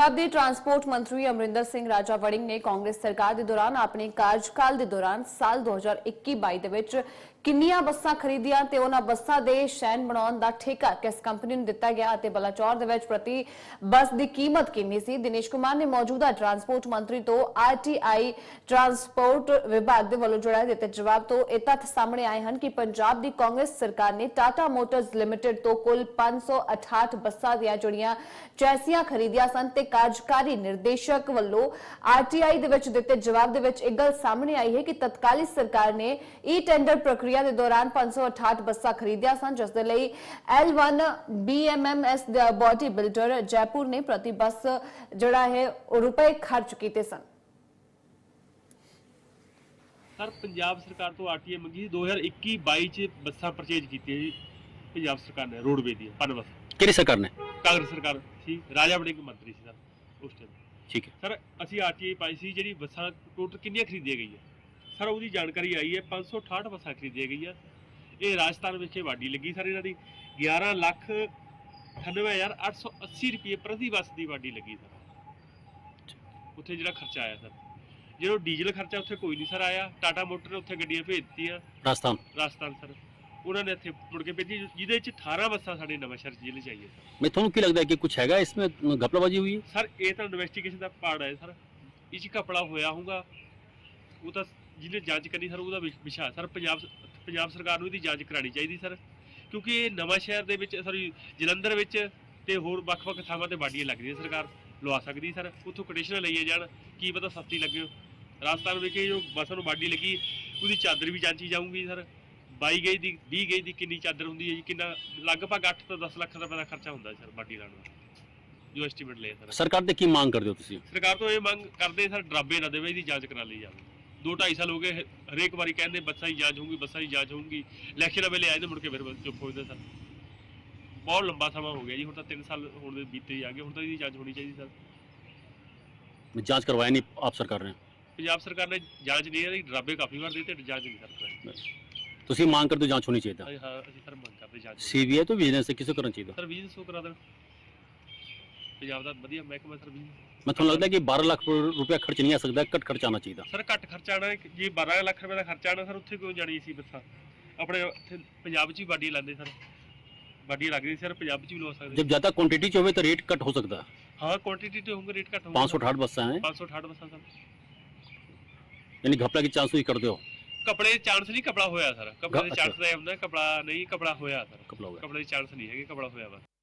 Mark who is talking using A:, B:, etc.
A: पंजाब के ट्रांसपोर्ट मंत्री अमरिंदर सिंह राजा वड़िंग ने कांग्रेस सरकार के दौरान अपने कार्यकाल के दौरान साल 2021-22 ਦੇ ਵਿੱਚ ਕਿੰਨੀਆਂ ਬੱਸਾਂ ਖਰੀਦੀਆਂ ਤੇ ਉਹਨਾਂ ਬੱਸਾਂ ਦੇ ਸ਼ੈਨ ਬਣਾਉਣ ਦਾ ਠੇਕਾ ਕਿਸ ਕੰਪਨੀ ਨੂੰ ਦਿੱਤਾ ਗਿਆ ਅਤੇ ਬਲਾਚੌਰ ਦੇ ਵਿੱਚ ਪ੍ਰਤੀ ਬੱਸ ਦੀ ਕੀਮਤ ਕਿੰਨੀ ਸੀ। ਦਿਨੇਸ਼ ਕੁਮਾਰ ਨੇ ਮੌਜੂਦਾ ਟਰਾਂਸਪੋਰਟ ਮੰਤਰੀ ਤੋਂ ਆਰਟੀਆਈ ਟਰਾਂਸਪੋर्ट विभाग ਦੇ ਵੱਲੋਂ ਜਿਹੜਾ ਦਿੱਤੇ ਜਵਾਬ ਤੋਂ ਇਹ ਤੱਥ ਸਾਹਮਣੇ ਆਏ ਹਨ ਕਿ ਪੰਜਾਬ ਦੀ ਕਾਂਗਰਸ ਸਰਕਾਰ ਨੇ ਟਾਟਾ ਮੋਟਰਸ ਲਿਮਟਿਡ ਤੋਂ ਕੁੱਲ 568 ਬੱਸਾਂ ਦੀਆਂ ਜਿਹੜੀਆਂ ਚੈਸੀਆਂ ਖਰੀਦੀਆਂ ਸਨ ਤੇ ਕਾਰਜਕਾਰੀ ਨਿਰਦੇਸ਼ਕ ਵੱਲੋਂ ਆਰਟੀਆਈ ਦੇ ਵਿੱਚ ਦਿੱਤੇ ਜਵਾਬ ਦੇ ਵਿੱਚ ਇੱਕ ਗੱਲ ਸਾਹਮਣੇ ਆਈ ਹੈ ਕਿ ਤਤਕਾਲੀ ਸਰਕਾਰ ਨੇ ਈ ਟੈਂਡਰ ਪ੍ਰਕਿਰਿਆ ਦੇ ਦੌਰਾਨ 568 ਬੱਸਾਂ ਖਰੀਦੀਆਂ ਸਨ ਜਿਸ ਦੇ ਲਈ L1 BMMS body builder Jaipur ਨੇ ਪ੍ਰਤੀ ਬੱਸ ਜਿਹੜਾ ਹੈ ਰੁਪਏ ਖਰਚ ਕੀਤੇ ਸਨ।
B: सर पंजाब सरकार तो आरटीए मंगी 2021-22 च बसा परचेज की जी पंजाब सरकार ने रोडवे दी पन बस
C: ਕਿਹੜੀ ਸਰਕਾਰ ਨੇ?
B: कांग्रेस सरकार थी राजा वड़िंग मंत्री सी सर उस टाइम।
C: ठीक है
B: सर असी आरटीए पाई सी जी बसा टोटल कितनी खरीदी गई है सर उसकी जानकारी आई है 568 बसा खरीदी गई है। ये राजस्थान विखे वाडी लगी सर इन्हों की 11,98,880 रुपये प्रति बस की वाडी लगी सर। उत्थे जो खर्चा आया सर जो डीजल खर्चा उत्थे कोई नहीं सर आया। टाटा मोटर ने उत्थे गड्डियां भेज दित्तियां राजस्थान सर उन्होंने इत्थे मुड़ के भेजी जिहदे च 18 बसां साडे नवांशहर जिले च आईयां सर।
C: मैं थोड़ा की लगता है कि कुछ हैगा इसमें घपलाबाजी हुई है
B: सर ये तो इन्वेस्टिगेशन का पार्ट है सर इस घपला होया होगा वो तो जिन्हें जांच करनी सर उसका विषय है सर। पंजाब सरकार नूं इहदी जांच करानी चाहिए सर क्योंकि ये नवांशहर दे विच सॉरी जलंधर विच ते होर वख-वख थावां ते वाडियां लगदियां सरकार लवा सकदी सर उत्थों कोटेशन लईए जाण की पता सस्ती लगे। राजस्थान विखे जो बस नूं वाडी लगी उसकी चादर भी जांची जाऊँगी सर 22 गज की 20 गज की कितनी चादर होंगी है जी कितना लगभग 8 तो 10 लाख रुपये का खर्चा होंगे सर वाडी लाने का जो एस्टीमेट ले सर।
C: सरकार ते की मांग करदे हो तुसीं?
B: सरकार तो ये मांग करते सर ड्राबे ना देवे इसकी जांच करा ली जाए। 2-2.5 साल हो गए हरेक बारी कहते बसा की जांच होगी बसा की जांच होगी इलैक्शन वेले आए तो मुड़ के फिर चुप हो जाते सर। बहुत लंबा समा हो गया जी हुण तो 3 साल होने बीते आ गए हुण तो इसकी जांच होनी चाहिए सर।
C: जांच करवाया नहीं आप सरकार ने?
B: पंजाब सरकार ने जांच नहीं है ड्राबे काफ़ी बार देते जांच नहीं कर पाए।
C: तुसीं मांग करदे जांच होनी चाहिए था?
B: हाँ असं सर मंग करते जांच
C: सीबीआई तो विजिलेंस किसे करना चाहिए?
B: सर विजिलेंस को करा देना पंजाब का वधिया महकमा सर विजिलेंस।
C: मैं थोड़ा लगता है कि 12 लाख रुपया खर्च नहीं आ सकता घट खर्च आना चाहिए था
B: सर घट खर्चा आना जी 12 लाख रुपये का खर्चा आना सर उत्थे क्यों जानी सी बसा अपने पंजाब च ही वाडी लाते सर वाडी लग रही सर पंजाब च भी लवा सकते।
C: जब ज़्यादा क्वांटिटी च हो तो रेट कट हो सकता है।
B: हाँ क्वांटिटी तो होंगे रेट घट
C: 568 बसा है
B: 568 बसा सर
C: यानी घपला की चांस ही कर दो
B: कपड़े चांस नहीं कपड़ा होया सर कपड़े चांस का कपड़ा नहीं कपड़ा होया सर
C: कपड़ा
B: कपड़े चांस नहीं है कपड़ा होया बस।